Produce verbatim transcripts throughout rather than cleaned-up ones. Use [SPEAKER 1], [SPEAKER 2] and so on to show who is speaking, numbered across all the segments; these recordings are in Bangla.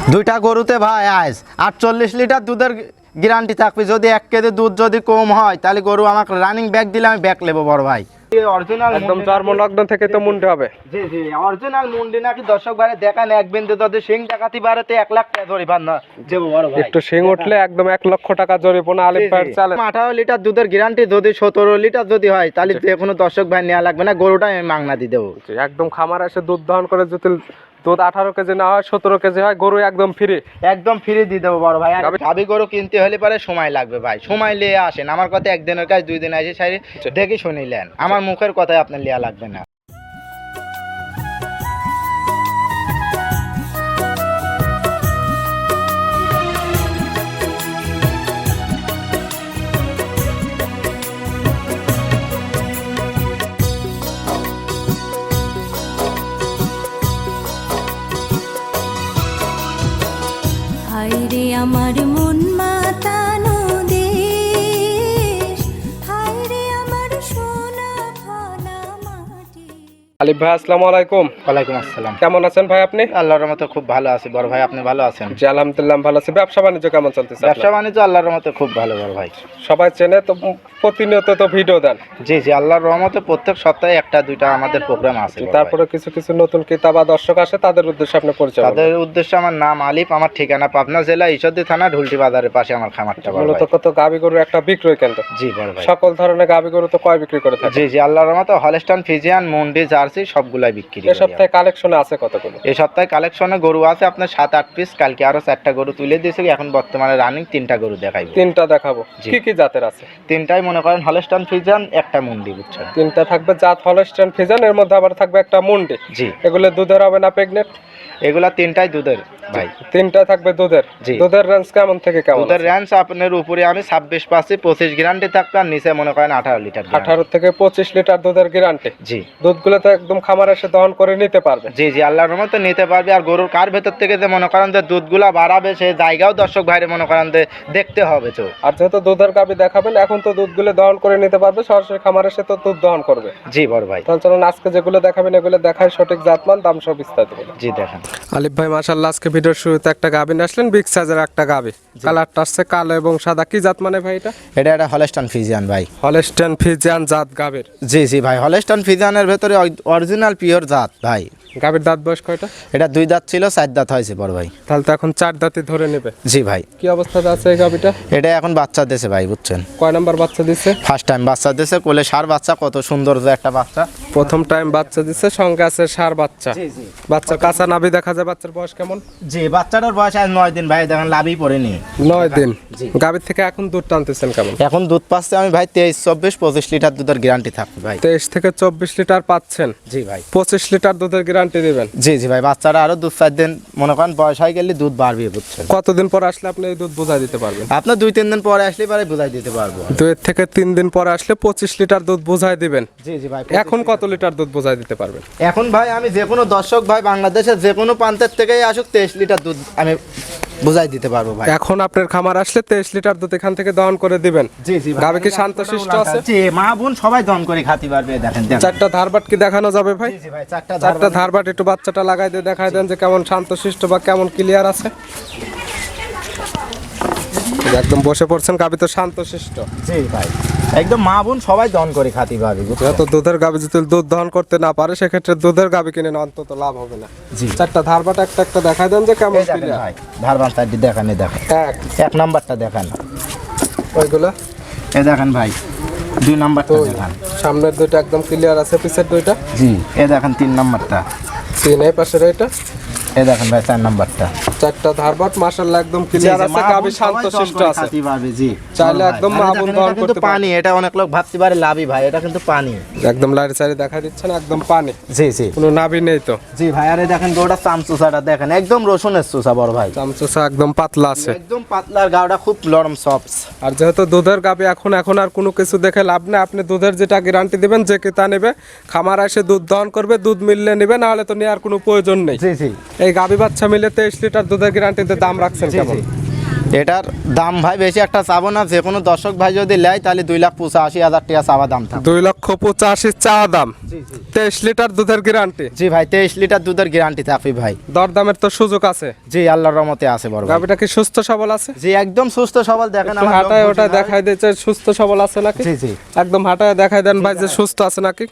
[SPEAKER 1] দুইটা গরুতে ভাই আজ আটচল্লিশ লিটার দুধের গ্যারান্টি থাকবে। যদি এক কেজি দুধ যদি কম হয় তাহলে গরু আমাকে রানিং ব্যাগ দিলে আমি ব্যাগ নেবো বড় ভাই। অরিজিনাল
[SPEAKER 2] একদম চর্মনগ্ন থেকে তো মুন্ডি হবে।
[SPEAKER 1] জি জি অরিজিনাল মুন্ডি নাকি দর্শক ভাই দেখান এক বিন্দু যদি সিং ডাকাতি বাড়াতে এক লাখ টাকা ধরে পান না দেবো বড় ভাই।
[SPEAKER 2] একটু সিং উঠলে একদম এক লক্ষ টাকা জরিমানা আলিফ ভাইয়ের চালে।
[SPEAKER 1] আঠারো লিটার দুধের গ্যারান্টি যদি সতেরো লিটার যদি হয় তাহলে যে কোনো দর্শক ভাই নেওয়া লাগবে না, গরুটা আমি মাংনা দিয়ে দেবো।
[SPEAKER 2] একদম খামার এসে দুধ দহন করে যদি দুধ আঠারো কেজি না হয় সতেরো কেজি হয় গরু একদম ফ্রি
[SPEAKER 1] একদম ফ্রি দিয়ে দেবো বড় ভাই। গাভী গরু কিনতে হলে পরে সময় লাগবে ভাই, সময় নিয়ে আসেন আমার কথা। একদিনের কাজ দুই দিন আসে সারি দেখে শুনিলেন, আমার মুখের কথায় আপনার লিয়া লাগবে না।
[SPEAKER 3] হায়রে আমার মন মাতানো দেশ, হায়রে আমার সোনা ফলা মাটি।
[SPEAKER 2] আলিফ ভাই আসসালামু আলাইকুম।
[SPEAKER 1] ওয়ালাইকুম আসসালাম।
[SPEAKER 2] কেমন আছেন ভাই আপনি?
[SPEAKER 1] আল্লাহর রহমতে খুব ভালো আছি বড় ভাই, আপনি ভালো আছেন?
[SPEAKER 2] জি আলহামদুলিল্লাহ ভালো আছি। ব্যবসা বাণিজ্য কেমন চলতেছে?
[SPEAKER 1] ব্যবসা বাণিজ্য আল্লাহর রহমতে খুব ভালো বড় ভাই।
[SPEAKER 2] সবাই চেনে তো, প্রতিনিয়ত তো ভিডিও দেন।
[SPEAKER 1] জি জি আল্লাহর রহমতে প্রত্যেক সপ্তাহে একটা দুইটা আমাদের প্রোগ্রাম আছে।
[SPEAKER 2] তারপরে কিছু কিছু নতুন ক্রেতা বা দর্শক আসে, তাদের উদ্দেশ্যে আপনি পরিচয়।
[SPEAKER 1] তাদের উদ্দেশ্যে আমার নাম আলিফ, আমার ঠিকানা পাবনা জেলা ঈশ্বরদী থানা ঢুলটি বাজারের পাশে আমার খামারটা।
[SPEAKER 2] মূলত কত গাভী গরু একটা বিক্রয় কেন্দ্র।
[SPEAKER 1] জি বড় ভাই।
[SPEAKER 2] সকল ধরনের গাভী গরু তো কয় বিক্রি করে থাকে?
[SPEAKER 1] জি জি আল্লাহর রহমতে হলস্টাইন ফ্রিজিয়ান মুন্ডি জার্সি সবগুলাই বিক্রি।
[SPEAKER 2] এই সপ্তাহে কালেকশনে আছে কতগুলো?
[SPEAKER 1] এই সপ্তাহে কালেকশনে গরু আছে আপনার সাত আট পিস। কালকে আরো চারটা গরু তুলে দিয়েছি, এখন বর্তমানে রানিং তিনটা গরু দেখাইবো।
[SPEAKER 2] তিনটা দেখাবো। কি কি জাতের আছে?
[SPEAKER 1] তিনটাই মনে করেন হলস্টাইন ফ্রিজিয়ান, একটা মুন্ডি, বুঝছেন?
[SPEAKER 2] তিনটা থাকবে জাত হলস্টাইন ফ্রিজিয়ান, এর মধ্যে আবার থাকবে একটা মুন্ডি।
[SPEAKER 1] জি
[SPEAKER 2] এগুলো দুধের হবে না প্রেগনেন্ট?
[SPEAKER 1] এগুলা তিনটাই দুধের ভাই।
[SPEAKER 2] তিনটা থাকবে দুধের।
[SPEAKER 1] জি।
[SPEAKER 2] দুধের রেঞ্জ কেমন থেকে কেমন?
[SPEAKER 1] দুধের রেঞ্জ আপনার উপরে আমি ছাব্বিশ পাচ্ছি, পঁচিশ গ্যারান্টি থাকবে, আর নিচে মনে করেন আঠারো লিটার।
[SPEAKER 2] আঠারো থেকে পঁচিশ লিটার দুধের গ্যারান্টি।
[SPEAKER 1] জি।
[SPEAKER 2] দুধগুলো তো একদম খামার এসে দহন করে নিতে পারবে।
[SPEAKER 1] জি জি আল্লাহর রহমতে নিতে পারবে। আর গরুর কার ভেতর থেকে যে মনে করেন যে দুধগুলা বাড়াবে সেই জায়গাও দর্শক ভাইরে মনে করেন যে দেখতে হবে তো।
[SPEAKER 2] আর যেহেতু দুধের গাভী দেখাবেন, এখন তো দুধগুলো দহন করে নিতে পারবে, সরাসরি খামার এসে তো দুধ দহন করবে।
[SPEAKER 1] জি বড় ভাই।
[SPEAKER 2] তাহলে চলুন আজকে যেগুলো দেখাবেন এগুলো দেখায় সঠিক জাতমান, দাম সব বিস্তারিত বলুন।
[SPEAKER 1] জি দেখেন
[SPEAKER 2] আলিফ ভাই মাশাআল্লাহ, আজকে ভিডিওর শুরুতে একটা গাভী নিয়ে আসলেন, বিগ সাইজের একটা গাভী। কালারটা আসছে কালো এবং সাদা। কি জাত মানে ভাই এটা?
[SPEAKER 1] এটা একটা হলস্টাইন ফ্রিজিয়ান ভাই।
[SPEAKER 2] হলস্টাইন ফ্রিজিয়ান জাত গাভীর।
[SPEAKER 1] জি জি ভাই হলস্টাইন ফ্রিজিয়ানের ভেতরে অরিজিনাল পিওর জাত ভাই।
[SPEAKER 2] গাভীর দাঁত বয়স কয়টা?
[SPEAKER 1] এটা দুই দাঁত ছিল, চার দাঁত হয়েছে বড় ভাই।
[SPEAKER 2] তাহলে তো এখন চার দাঁতই ধরে নেবে।
[SPEAKER 1] জি ভাই।
[SPEAKER 2] কি অবস্থাতে আছে এই গাভীটা?
[SPEAKER 1] এটা এখন বাচ্চা দিয়েছে ভাই, বুঝছেন?
[SPEAKER 2] কয় নাম্বার বাচ্চা দিচ্ছে?
[SPEAKER 1] ফার্স্ট টাইম বাচ্চা দিয়েছে, কোলে সার বাচ্চা, কত সুন্দর যে একটা বাচ্চা।
[SPEAKER 2] প্রথম টাইম বাচ্চা দিচ্ছে, সঙ্গে আছে সার বাচ্চা।
[SPEAKER 1] জি জি
[SPEAKER 2] বাচ্চার কাঁচা নাভি দেখা যায়। বাচ্চার বয়স কেমন?
[SPEAKER 1] জি বাচ্চাটার বয়স আজ নয় দিন ভাই, দেখেন লাভই পড়েনি।
[SPEAKER 2] নয় দিন।
[SPEAKER 1] জি।
[SPEAKER 2] গাভীর থেকে এখন দুধ টানতেছেন কেমন?
[SPEAKER 1] এখন দুধ পাচ্ছে আমি ভাই তেইশ চব্বিশ পঁচিশ লিটার দুধের গ্যারান্টি থাকবে ভাই।
[SPEAKER 2] তেইশ থেকে চব্বিশ লিটার পাচ্ছেন।
[SPEAKER 1] জি ভাই।
[SPEAKER 2] পঁচিশ লিটার দুধের গ্যারান্টি দিবেন।
[SPEAKER 1] জি জি ভাই বাচ্চারা আরো দুধ চার দিন মনে করেন বয়স হয়ে গেলে দুধ বাড়বে, বুঝছেন?
[SPEAKER 2] কতদিন পর আসলে আপনি এই দুধ বোঝাই দিতে পারবেন?
[SPEAKER 1] আপনার দুই তিন দিন পরে আসলে পরে বুঝাই দিতে পারবো।
[SPEAKER 2] দুই থেকে তিন দিন পরে আসলে পঁচিশ লিটার দুধ বোঝাই দিবেন।
[SPEAKER 1] জি জি ভাই।
[SPEAKER 2] এখন কত লিটার দুধ বোঝাই দিতে পারবেন?
[SPEAKER 1] এখন ভাই আমি যে কোনো দর্শক ভাই বাংলাদেশের যে কোনো প্রান্তের থেকেই আসুক তেইশ লিটার দুধ আমি বুঝাই দিতে পারবো ভাই।
[SPEAKER 2] এখন আপনার খামার আসলে তেইশ লিটার দুধ এখান থেকে দহন করে দিবেন।
[SPEAKER 1] জি জি
[SPEAKER 2] গাভী কি শান্তশিষ্ট আছে?
[SPEAKER 1] জি মা বোন সবাই দহন করে খাতে পারবে। দেখেন দেখেন
[SPEAKER 2] চারটা ধারবাট কি দেখানো যাবে ভাই?
[SPEAKER 1] জি জি ভাই চারটা
[SPEAKER 2] চারটা ধারবাট একটু বাচ্চাটা লাগাই দিয়ে দেখাই দেন যে কেমন শান্তশিষ্ট বা কেমন ক্লিয়ার আছে। একদম বসে পড়ছেন, গাভী তো শান্তশিষ্ট।
[SPEAKER 1] জি ভাই একদম মা বোন সবাই দহন করে খাতে পারবে।
[SPEAKER 2] যেহেতু দুধের গাভী যদি দুধ দহন করতে না পারে সেক্ষেত্রে দুধের গাভী কিনে অন্তত লাভ হবে না।
[SPEAKER 1] জি
[SPEAKER 2] চারটা ধারবাট একটা একটা দেখাই দেন যে কেমন
[SPEAKER 1] দেখেন
[SPEAKER 2] ক্লিয়ার।
[SPEAKER 1] ভাই ধারবান চারটি দেখান, এই দেখেন
[SPEAKER 2] এক
[SPEAKER 1] এক নাম্বারটা দেখান,
[SPEAKER 2] ওইগুলো
[SPEAKER 1] এই দেখেন ভাই দুই নাম্বারটা
[SPEAKER 2] দুই।
[SPEAKER 1] দেখান।
[SPEAKER 2] সামনের দুইটা একদম ক্লিয়ার আছে, পিছের দুইটা
[SPEAKER 1] জি এই দেখেন তিন নাম্বারটা,
[SPEAKER 2] তিন। এই পাশের এটা
[SPEAKER 1] এই দেখেন ভাই চার নাম্বারটা।
[SPEAKER 2] চারটা ধারবাট মাশাআল্লাহ একদম ক্লিয়ার আছে, গাভী শান্তশিষ্ট আছে।
[SPEAKER 1] জি
[SPEAKER 2] চাইলে একদম মা বোন দহন করতে পারে।
[SPEAKER 1] পানি এটা অনেক লোক ভাবতে পারে লাভই ভাই, এটা কিন্তু পানি
[SPEAKER 2] একদম লাইট সাইডে দেখা দিচ্ছেন, একদম পানি।
[SPEAKER 1] জি জি
[SPEAKER 2] কোনো নাভি নেই তো?
[SPEAKER 1] জি ভাই। আরে দেখেন গোটা চামচুসাটা দেখেন একদম রসুনের চুষা বড় ভাই,
[SPEAKER 2] চামচোসা একদম পাতলা আছে।
[SPEAKER 1] একদম পাতলার গাওটা খুব নরম সফট।
[SPEAKER 2] আর যেহেতু দুধের গাভী এখন এখন আর কোনো কিছু দেখে লাভ নেই, আপনি দুধের যেটা গ্যারান্টি দিবেন যে কে তা নেবে, খামার এসে দুধ দহন করবে, দুধ মিললে নেবে, না হলে তো নেওয়ার কোনো প্রয়োজন নেই।
[SPEAKER 1] জি জি
[SPEAKER 2] এই গাভী বাচ্চা মিলে তেইশ লিটার দুধের গ্যারান্টিতে দাম রাখছেন কেমন?
[SPEAKER 1] এটার দাম ভাই বেশি একটা চাবো না, যে কোনো দর্শক ভাই যদি নেয় তাহলে দুই লাখ পঁচাশি হাজার টাকা চাওয়া দাম থাকবে।
[SPEAKER 2] দুই লক্ষ পঁচাশি চাওয়া দাম, তেইশ লিটার দুধের গ্যারান্টি।
[SPEAKER 1] জি ভাই, তেইশ লিটার দুধের গ্যারান্টি থাকবে ভাই।
[SPEAKER 2] দরদামের তো সুযোগ আছে?
[SPEAKER 1] জি আল্লাহর রহমতে আছে বড় ভাই।
[SPEAKER 2] গাবিটা কি সুস্থ সবল আছে?
[SPEAKER 1] জি একদম সুস্থ সবল, দেখেন
[SPEAKER 2] একটু
[SPEAKER 1] আমার
[SPEAKER 2] হাঁটায়
[SPEAKER 1] লোক
[SPEAKER 2] ওটা
[SPEAKER 1] বসে নাই।
[SPEAKER 2] দেখাই দিচ্ছে সুস্থ সবল আছে নাকি?
[SPEAKER 1] জি জি
[SPEAKER 2] একদম হাঁটায় দেখাই দেন ভাই যে সুস্থ আছে নাকি।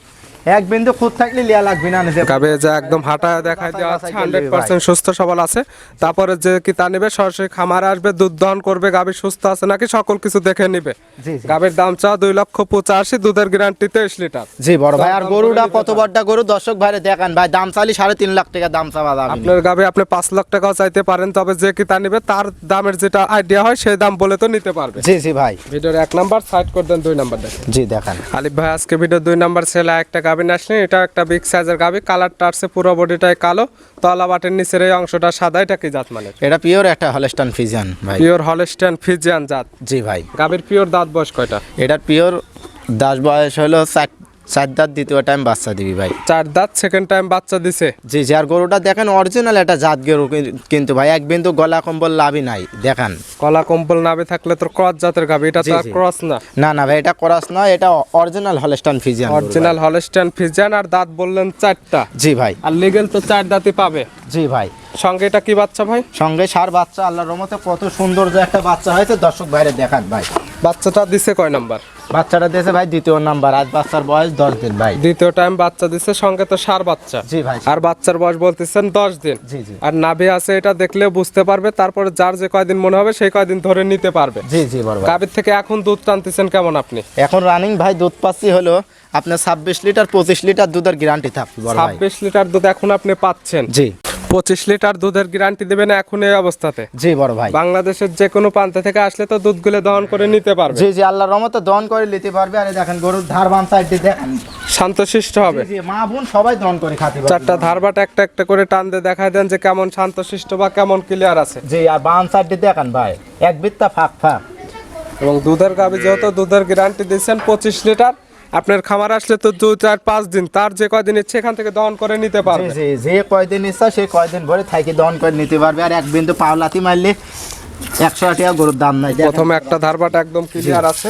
[SPEAKER 1] এক বিন্দু খুদ থাকলে লিয়া লাগবে না নিজে।
[SPEAKER 2] গাবে যে একদম হাঁটায় দেখাই দেওয়া আছে
[SPEAKER 1] বাছাই করে
[SPEAKER 2] হান্ড্রেড
[SPEAKER 1] নেবে
[SPEAKER 2] পার্সেন্ট সুস্থ সবল আছে। তারপরে যে কি তা নেবে সরাসরি খামারে আসবে, দুধ দহন করবে, গাবি সুস্থ আছে নাকি সকল কিছু দেখে নিবে।
[SPEAKER 1] জি জি
[SPEAKER 2] গাবির দাম চা দুই লক্ষ পঁচাশি, দুধের গ্যারান্টি তেইশ লিটার।
[SPEAKER 1] জি বড় ভাই। আর
[SPEAKER 2] দাম
[SPEAKER 1] গরুটা
[SPEAKER 2] বলে
[SPEAKER 1] কত
[SPEAKER 2] দিতে
[SPEAKER 1] বড়টা গরু দর্শক ভাইরে দেখান ভাই, দাম চালি সাড়ে তিন লাখ টাকা দাম চাওয়া দাম।
[SPEAKER 2] আপনার গাবে আপনি পাঁচ লাখ টাকাও চাইতে পারেন, তবে যে কি তা নিবে তার দামের যেটা আইডিয়া হয় সেই দাম বলে তো নিতে পারবে।
[SPEAKER 1] জি জি ভাই।
[SPEAKER 2] ভিডিওর এক নাম্বার সাইড করে দেন, দুই নাম্বার দেখেন।
[SPEAKER 1] জি দেখান।
[SPEAKER 2] আলিফ ভাই আজকে ভিডিও দুই নাম্বার ছেলে একটা গাবি আসলেন, এটা একটা বিগ সাইজের গাবি, কালারটা আসছে পুরো বডিটাই কালো, তলা বাটের নিচের এই অংশটা সাদা। এটা কি জাত মানে?
[SPEAKER 1] এটা পিওর একটা হলস্টাইন ফ্রিজিয়ান ভাই।
[SPEAKER 2] পিওর হলস্টাইন ফ্রিজিয়ান জাত।
[SPEAKER 1] জি ভাই।
[SPEAKER 2] গাবির পিওর দাঁত বয়স কয়টা?
[SPEAKER 1] এটার পিওর দাস বয়স হলো চার চার দাঁত, দ্বিতীয় টাইম বাচ্চা দিবি ভাই।
[SPEAKER 2] চার দাঁত, সেকেন্ড টাইম বাচ্চা দিছে।
[SPEAKER 1] জি জি। আর গরুটা দেখেন অরিজিনাল একটা জাত গরু কি- কিন্তু ভাই এক বিন্দু গলা কম্বল লাভই নাই দেখেন।
[SPEAKER 2] কলা কম্বল নাবে থাকলে তোর ক্রস জাতের গাবি, এটা তো
[SPEAKER 1] জি,
[SPEAKER 2] আর
[SPEAKER 1] জি।
[SPEAKER 2] ক্রস না।
[SPEAKER 1] না না ভাই, এটা করাস নয়, এটা original Holstein Friesian.
[SPEAKER 2] Original Holstein Friesian. আর দাঁত বললেন চারটা।
[SPEAKER 1] জি ভাই।
[SPEAKER 2] আর লিগেল তো চার দাঁতই পাবে।
[SPEAKER 1] জি ভাই।
[SPEAKER 2] সঙ্গে এটা কি বাচ্চা ভাই?
[SPEAKER 1] সঙ্গে সার বাচ্চা, আল্লাহর রহমতে কত সুন্দর যে একটা বাচ্চা হয়েছে দর্শক ভাইরে দেখান ভাই।
[SPEAKER 2] বাচ্চাটা দিছে কয় নাম্বার?
[SPEAKER 1] বাচ্চাটা দিয়েছে ভাই দ্বিতীয় নাম্বার, আজ বাচ্চার বয়স দশ দিন ভাই।
[SPEAKER 2] দ্বিতীয় টাইম বাচ্চা দিছে, সঙ্গে তো সার বাচ্চা।
[SPEAKER 1] জি ভাই।
[SPEAKER 2] আর বাচ্চার বয়স বলতেছেন দশ দিন।
[SPEAKER 1] জি জি।
[SPEAKER 2] আর নাভি আছে, এটা দেখলে বুঝতে পারবে, তারপরে যার যে কয়দিন মনে হবে সেই কয়দিন ধরে নিতে পারবে।
[SPEAKER 1] জি জি বড় ভাই।
[SPEAKER 2] গাভীর থেকে এখন দুধ টানতেছেন কেমন আপনি?
[SPEAKER 1] এখন রানিং ভাই দুধ পাচ্ছি হলো আপনার ছাব্বিশ লিটার পঁচিশ লিটার দুধের গ্যারান্টি থাকবে বড় ভাই।
[SPEAKER 2] ছাব্বিশ লিটার দুধ এখন আপনি পাচ্ছেন।
[SPEAKER 1] জি
[SPEAKER 2] পঁচিশ লিটার দুধের গ্যারান্টি দেবেন এখন এই অবস্থাতে।
[SPEAKER 1] জি বড় ভাই।
[SPEAKER 2] বাংলাদেশের যে কোনো প্রান্ত থেকে আসলে তো দুধগুলো দহন করে নিতে পারবে।
[SPEAKER 1] জি জি আল্লাহর রহমতে দহন করে নিতে পারবে। আরে দেখেন গরুর ধার বাম সাইডটি দেখেন।
[SPEAKER 2] শান্তশিষ্ট হবে।
[SPEAKER 1] জি জি, মা বোন সবাই দহন করে খাতে পারবে।
[SPEAKER 2] চারটা ধারবাট একটা একটা করে টান দিয়ে দেখায় দেন যে কেমন শান্তশিষ্ট বা কেমন ক্লিয়ার আছে।
[SPEAKER 1] জি। আর বাম সাইডটি দেখেন ভাই, এক বিত্তা ফাঁক ফাঁক।
[SPEAKER 2] এবং দুধের গাভী যেহেতু দুধের গ্যারান্টি দিচ্ছেন পঁচিশ লিটার, আপনার খামার আসলে তো দু চার পাঁচ দিন, তার যে কয়দিন ইচ্ছে এখান থেকে দহন করে নিতে
[SPEAKER 1] জি
[SPEAKER 2] পারবে।
[SPEAKER 1] জি। যে কয়দিন ইচ্ছা সে কয়দিন ভরে থাকি দহন করে নিতে পারবে। আর এক বিন্দু পাওলাতি মারলে একশো টাকা গরুর দাম নাই। দেখেন।
[SPEAKER 2] প্রথমে একটা ধারবাট একদম ক্লিয়ার আছে।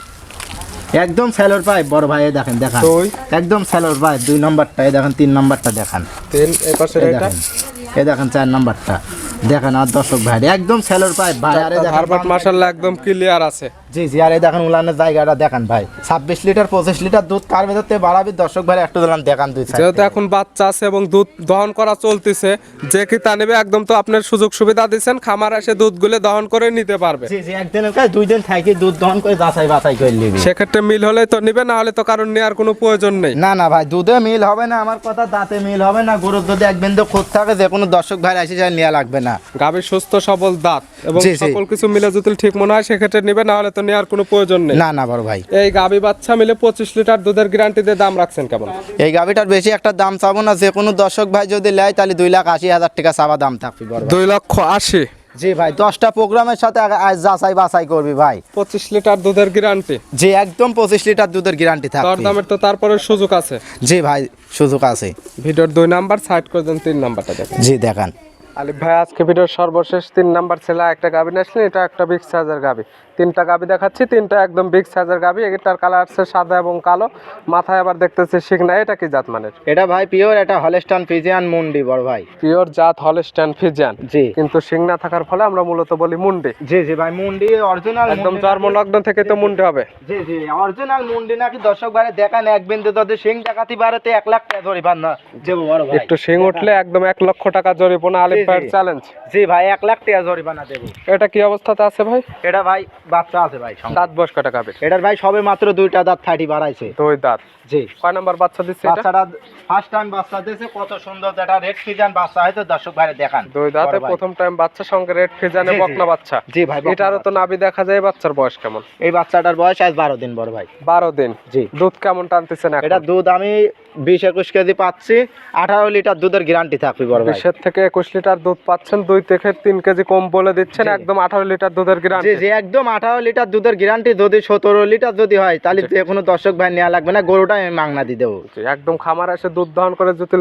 [SPEAKER 1] একদম স্যালোর পাইপ বড় ভাই, এই দেখেন দেখান।
[SPEAKER 2] দুই।
[SPEAKER 1] একদম স্যালোর পাইপ দুই নম্বরটা, এই দেখেন তিন নম্বরটা দেখান।
[SPEAKER 2] তিন, এই পাশের
[SPEAKER 1] এই
[SPEAKER 2] এটা
[SPEAKER 1] দেখেন, এই দেখেন চার নম্বরটা দেখেন। আর দর্শক ভাই একদম স্যালোর পাইপ ভাই। আরে দেখেন
[SPEAKER 2] ধারবাট মাশাআল্লাহ একদম ক্লিয়ার আছে।
[SPEAKER 1] জি জি। আর এই দেখেন উলানের জায়গাটা দেখেন ভাই, ছাব্বিশ লিটার পঁচিশ লিটার দুধ কার ভেতর থেকে বাড়াবি দর্শক ভাই একটু দিলাম দেখান দুই side
[SPEAKER 2] যেহেতু
[SPEAKER 1] থেকে।
[SPEAKER 2] এখন বাচ্চা আছে এবং দুধ দহন করা চলতেছে, যে কি তা নেবে একদম তো আপনার সুযোগ সুবিধা দিচ্ছেন, খামার এসে দুধগুলো দহন করে নিতে পারবে।
[SPEAKER 1] জি জি। একদিনের কাজ দুই দিন থাকি দুধ দহন করে যাচাই বাছাই করে নিবি।
[SPEAKER 2] সেক্ষেত্রে মিল হলে তো নিবে, না হলে তো কারণ নেওয়ার কোনো প্রয়োজন নেই।
[SPEAKER 1] না না ভাই, দুধে মিল হবে না, আমার কথা দাঁতে মিল হবে না। গরুর যদি এক বিন্দু খুঁত থাকে যে কোনো দর্শক ভাই এসে যায় নেওয়া লাগবে না।
[SPEAKER 2] গাভীর সুস্থ সবল দাঁত এবং
[SPEAKER 1] জি, জি।
[SPEAKER 2] সকল কিছু মিলে যদি ঠিক মনে হয় সেক্ষেত্রে নিবে, না হলে তো নেওয়ার কোনো প্রয়োজন নেই।
[SPEAKER 1] না না বড় ভাই।
[SPEAKER 2] এই গাভী বাচ্চা মিলে পঁচিশ লিটার দুধের গ্যারান্টি দিয়ে দাম রাখছেন কেমন?
[SPEAKER 1] এই গাভিটার বেশি একটা দাম চাবো না, যে কোনো দর্শক ভাই যদি নেয় তাহলে দুই লাখ আশি হাজার টাকা চাওয়া দাম থাকবে বড় ভাই।
[SPEAKER 2] দুই লক্ষ আশি।
[SPEAKER 1] জি ভাই, দশটা প্রোগ্রামের সাথে আগে আজ যাচাই বাছাই করবি ভাই।
[SPEAKER 2] পঁচিশ লিটার দুধের গ্যারান্টি।
[SPEAKER 1] জি একদম পঁচিশ লিটার দুধের গ্যারান্টি
[SPEAKER 2] দর
[SPEAKER 1] থাকবে।
[SPEAKER 2] দামের তো তারপরে সুযোগ আছে।
[SPEAKER 1] জি ভাই সুযোগ আছে।
[SPEAKER 2] ভিডিওর দুই নাম্বার সাইড করে দেন, তিন নাম্বারটা দেখেন।
[SPEAKER 1] জি দেখান।
[SPEAKER 2] আলিফ ভাই আজকে ভিডিওর সর্বশেষ তিন নাম্বার ছেলে একটা গাভী নিয়ে আসলেন, এটা একটা বিগ সাইজের গাভী। তিনটা গাভী দেখাচ্ছি, তিনটা একদম বিগ সাইজের গাভী। এটার কালার আছে সাদা এবং কালো, মাথায় আবার দেখতেছি শিং নাই। এটা কি জাত মানের?
[SPEAKER 1] এটা ভাই পিওর এটা হলস্টাইন ফ্রিজিয়ান মুন্ডি বড় ভাই।
[SPEAKER 2] পিওর জাত হলস্টাইন ফ্রিজিয়ান।
[SPEAKER 1] জি।
[SPEAKER 2] কিন্তু শিং না থাকার ফলে আমরা মূলত বলি মুন্ডি।
[SPEAKER 1] জি জি ভাই, মুন্ডি অরিজিনাল
[SPEAKER 2] একদম জন্মলগ্ন থেকে তো মুন্ডি হবে।
[SPEAKER 1] জি জি অরিজিনাল মুন্ডি নাকি দর্শক ভাই দেখান। এক বিন্দু যদি সিং ডাকাতি বাড়াতে এক লাখ টাকা ধরে পান না যে বড় ভাই।
[SPEAKER 2] একটু শিং উঠলে একদম এক লক্ষ টাকা জরিমানা। আলিফ
[SPEAKER 1] জি, জি।
[SPEAKER 2] ভাইয়ের চ্যালেঞ্জ।
[SPEAKER 1] জি ভাই, এক লাখ টাকা জরিমানা দেবো।
[SPEAKER 2] এটা কি অবস্থাতে আছে ভাই?
[SPEAKER 1] এটা ভাই বাচ্চা আছে ভাই সঙ্গে।
[SPEAKER 2] দাঁত বয়স কটা গাভীর?
[SPEAKER 1] এটার ভাই সবে মাত্র দুইটা দাঁত থার্টি বাড়াইছে।
[SPEAKER 2] দুই দাঁত।
[SPEAKER 1] জি।
[SPEAKER 2] কয় নাম্বার বাচ্চা দিচ্ছে এটা?
[SPEAKER 1] বাচ্চাটা ফার্স্ট টাইম বাচ্চা দিয়েছে, কত সুন্দর যেটা রেড ফ্রিজিয়ান বাচ্চা হয়তো দর্শক ভাই দেখান।
[SPEAKER 2] দুই দাঁতে
[SPEAKER 1] বড় ভাই।
[SPEAKER 2] প্রথম টাইম বাচ্চা, সঙ্গে রেড ফিজানে
[SPEAKER 1] জি, জি।
[SPEAKER 2] বকনা বাচ্চা।
[SPEAKER 1] জি ভাই, বকনা
[SPEAKER 2] এটারও তো নাভি দেখা যায়। বাচ্চার বয়স কেমন?
[SPEAKER 1] এই বাচ্চাটার বয়স আজ বারো দিন বড় ভাই।
[SPEAKER 2] বারো দিন।
[SPEAKER 1] জি।
[SPEAKER 2] দুধ কেমন টানতেছেন এখন?
[SPEAKER 1] এটা দুধ আমি বিশ একুশ কেজি পাচ্ছি, আঠারো লিটার দুধের গ্যারান্টি থাকবে বড় ভাই।
[SPEAKER 2] বিশের থেকে একুশ লিটার দুধ পাচ্ছেন, দুই থেকে তিন কেজি কম বলে দিচ্ছেন।
[SPEAKER 1] জি।
[SPEAKER 2] একদম আঠারো লিটার দুধের
[SPEAKER 1] জি
[SPEAKER 2] গ্যারান্টি।
[SPEAKER 1] জি একদম আঠারো লিটার দুধের গ্যারান্টি। যদি সতেরো লিটার যদি হয় তাহলে যে কোনো দর্শক ভাই নেওয়া লাগবে না, গরুটা আমি মাংনা দিয়ে দেবো।
[SPEAKER 2] একদম খামার এসে দুধ দহন করে যদি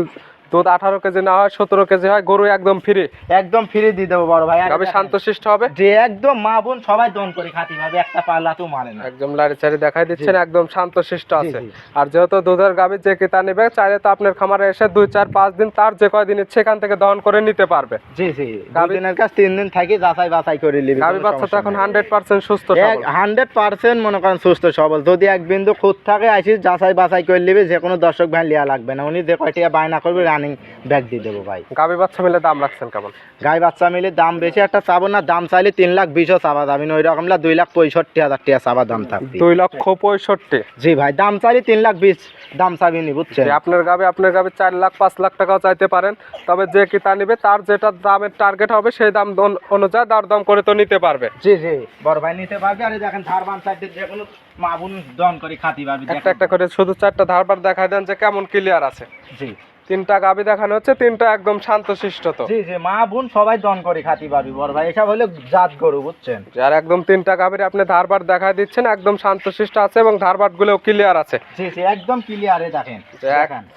[SPEAKER 2] দুধ আঠারো কেজি না হয় সতেরো কেজি হয়, গরু একদম ফ্রি,
[SPEAKER 1] একদম ফ্রি দিয়ে দেবো বড় ভাই। আর
[SPEAKER 2] গাবি
[SPEAKER 1] দেখেন,
[SPEAKER 2] শান্তশিষ্ট হবে,
[SPEAKER 1] যে একদম মা বোন সবাই দন করে খাতি ভাবে, একটা পাল্লা তো মারে না।
[SPEAKER 2] একদম লাড়ি চাড়ি দেখাই দিচ্ছেন, একদম শান্তশিষ্ট
[SPEAKER 1] জি,
[SPEAKER 2] আছে।
[SPEAKER 1] জি।
[SPEAKER 2] আর যেহেতু দুধের গাবি যে কিতা নেবে চাইলে তো আপনার খামারে এসে দুই চার পাঁচ দিন তার যে কয়দিন ইচ্ছে এখান থেকে দহন করে নিতে পারবে।
[SPEAKER 1] জি জি,
[SPEAKER 2] গাভী-
[SPEAKER 1] দুদিনের কাছ তিন দিন থাকি যাচাই বাছাই করে নিবি।
[SPEAKER 2] গাবি বাচ্চা তো এখন হান্ড্রেড পার্সেন্ট সুস্থ সবল।
[SPEAKER 1] হান্ড্রেড পার্সেন্ট মনে করেন সুস্থ সবল। যদি এক বিন্দু খুঁত থাকে আসিস যাচাই বাছাই করে নিবি, যে কোনো দর্শক ভাই লিয়া লাগবে না, উনি যে কয়টিয়া বায়না করবে রানিং ব্যাগ দিয়ে দেবো ভাই।
[SPEAKER 2] গাবি বাচ্চা মিলে দাম রাখছেন কেমন?
[SPEAKER 1] গাই বাচ্চা মিলে দাম বেশি একটা চাবো না, দাম চাইলে তিন লাখ বিশও চাবা যাবে না, ওই রকমলা দুই লাখ পঁয়ষট্টি হাজার টাকা চাবা দাম থাকবে।
[SPEAKER 2] দুই লক্ষ পঁয়ষট্টি।
[SPEAKER 1] জি ভাই, দাম চাইলে তিন লাখ বিশ দাম চাবি নি, বুঝছেন?
[SPEAKER 2] যে আপনার গাবি আপনার গাবি চার লাখ পাঁচ লাখ টাকাও চাইতে পারেন, তবে যে কিতা নিবে তার যেটা দামের টার্গেট হবে সেই দাম দন- অনুযায়ী দর দাম করে তো নিতে পারবে।
[SPEAKER 1] জি জি, বড় ভাই নিতে পারবে। আর এই দেখেন ধারবান সাইডে যে কোনো মাবুন দন করে খাতি পারবে।
[SPEAKER 2] একটা একটা করে শুধু চারটা ধারবার দেখাই দেন যে কেমন ক্লিয়ার আছে।
[SPEAKER 1] জি
[SPEAKER 2] তিনটা গাবি দেখানো হচ্ছে, তিনটা একদম শান্তশিষ্ট তো।
[SPEAKER 1] জি জি, মা বোন সবাই দন করে খাতি পারবি বড় ভাই, এসব হলে জাত গরু, বুঝছেন?
[SPEAKER 2] আর একদম তিনটা গাভীর আপনি ধারবার দেখাই দিচ্ছেন, একদম শান্তশিষ্ট আছে এবং ধারবার গুলোও ক্লিয়ার আছে।
[SPEAKER 1] জি জি, একদম ক্লিয়ারে দেখেন।
[SPEAKER 2] যে এক-
[SPEAKER 1] দেখেন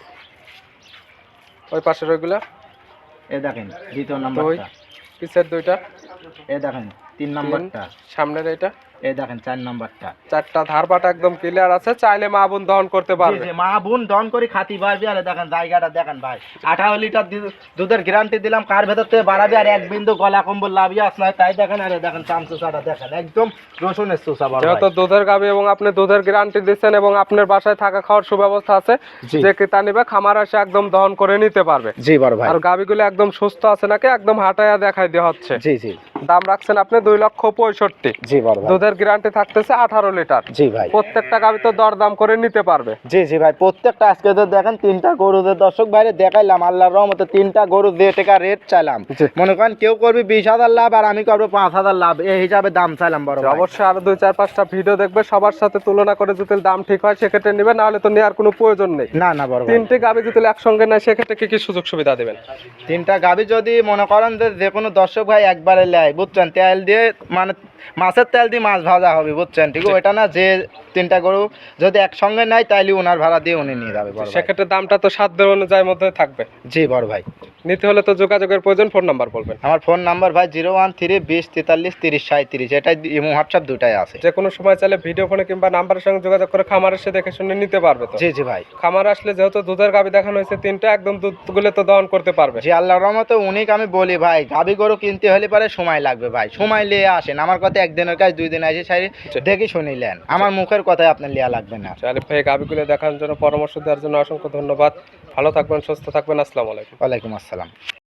[SPEAKER 2] ওই পাশের ওইগুলা,
[SPEAKER 1] এ দেখেন দ্বিতীয়
[SPEAKER 2] দুই
[SPEAKER 1] নাম্বারটা,
[SPEAKER 2] পিছের দুইটা,
[SPEAKER 1] এ দেখেন তিন
[SPEAKER 2] তিন,
[SPEAKER 1] নাম্বারটা,
[SPEAKER 2] সামনের এইটা,
[SPEAKER 1] এ দেখেন চার নাম্বারটা।
[SPEAKER 2] চারটা ধারবাট একদম ক্লিয়ার আছে, চাইলে মা বোন দহন করতে
[SPEAKER 1] জি
[SPEAKER 2] পারবে।
[SPEAKER 1] জি, মা বোন দন করে খাতি পারবি। আর দেখেন জায়গাটা দেখেন ভাই, আঠারো লিটার দু- দুধের গ্যারান্টি দিলাম, কার ভেতর থেকে বাড়াবি আর এক বিন্দু গলা কম্বল লাভি আস নয়, তাই দেখেন। আর দেখেন চামচুসাটা দেখেন, একদম রসুনের চুষা বড়
[SPEAKER 2] যেহেতু
[SPEAKER 1] ভাই।
[SPEAKER 2] দুধের গাভী এবং আপনি দুধের গ্যারান্টি দিচ্ছেন এবং আপনার বাসায় থাকা খাওয়ার সুব্যবস্থা আছে,
[SPEAKER 1] জি।
[SPEAKER 2] যে কিতা নিবে খামার এসে একদম দহন করে নিতে পারবে।
[SPEAKER 1] জি বড় ভাই।
[SPEAKER 2] আর গাভীগুলো একদম সুস্থ আছে নাকি একদম হাঁটাইয়া দেখাই দেওয়া হচ্ছে।
[SPEAKER 1] জি জি
[SPEAKER 2] দাম রাখছেন আপনি দুই লক্ষ পঁয়ষট্টি।
[SPEAKER 1] জি বড় ভাই।
[SPEAKER 2] দুধের গ্যারান্টি থাকতেছে আঠারো লিটার।
[SPEAKER 1] জি ভাই।
[SPEAKER 2] প্রত্যেকটা গাভী তো দরদাম করে নিতে পারবে।
[SPEAKER 1] জি জি ভাই, প্রত্যেকটা আজকে তো দেখেন তিনটা গরুদের দর্শক বাইরে দেখাইলাম, আল্লাহর রহমতে তিনটা গরু যে টাকা রেট চাইলাম,
[SPEAKER 2] জি।
[SPEAKER 1] মনে করেন কেউ করবি বিশ হাজার লাভ আর আমি করবো পাঁচ হাজার লাভ, এই হিসাবে দাম চাইলাম বড় ভাই।
[SPEAKER 2] অবশ্যই আরো দুই চার পাঁচটা ভিডিও দেখবে, সবার সাথে তুলনা করে যদি দাম ঠিক হয় সেক্ষেত্রে নিবে, না হলে তো নেওয়ার কোনো প্রয়োজন নেই।
[SPEAKER 1] না না বড় ভাই,
[SPEAKER 2] তিনটে গাভী যদি একসঙ্গে নেয় সেক্ষেত্রে কি কি সুযোগ সুবিধা দেবেন?
[SPEAKER 1] তিনটা গাভী যদি মনে করেন যে যে কোনো দর্শক ভাই একবারে নেয়, বুঝছেন, তেল দিয়ে মানে মাছের তেল দিয়ে মাছ ভাজা হবে, বুঝছেন? ঠিক আছে, ওইটা না, যে তিনটা গরু যদি একসঙ্গে নেয় তাইলে ওনার ভাড়া দিয়ে উনি নিয়ে যাবে বড় ভাই।
[SPEAKER 2] সেক্ষেত্রে দামটা তো সাধ্যের অনুযায়ী মধ্যে থাকবে।
[SPEAKER 1] জি বড় ভাই।
[SPEAKER 2] নিতে হলে তো যোগাযোগের প্রয়োজন, ফোন নাম্বার বলবেন।
[SPEAKER 1] আমার ফোন নাম্বার ভাই জিরো ওয়ান থ্রি বিশ তেতাল্লিশ তিরিশ সাঁত্রিশ, এটাই ইমো হোয়াটসঅ্যাপ দুটাই আছে।
[SPEAKER 2] যে কোনো সময় চাইলে ভিডিও ফোনে কিংবা নাম্বারের সঙ্গে যোগাযোগ করে খামার এসে দেখে শুনে নিতে পারবে তো।
[SPEAKER 1] জি জি ভাই।
[SPEAKER 2] খামার আসলে যেহেতু দুধের গাভী দেখানো হয়েছে তিনটা, একদম দুধগুলো তো দহন করতে পারবে।
[SPEAKER 1] জি আল্লাহর রহমতে উনিক আমি বলি ভাই, গাভী গরু কিনতে হলে পারে সময় লাগবে ভাই, সময় নিয়ে আসেন। আমার কথা একদিনের কাজ দুই দিন আসে সারি দেখে শুনিলেন, আমার মুখের কথাই আপনার লিয়া লাগবে না।
[SPEAKER 2] আলিফ ভাই গাভীগুলো দেখানোর জন্য, পরামর্শ দেওয়ার জন্য অসংখ্য ধন্যবাদ। ভালো থাকবেন, সুস্থ থাকবেন, আসসালামু আলাইকুম।
[SPEAKER 1] ওয়ালাইকুম আসসালাম।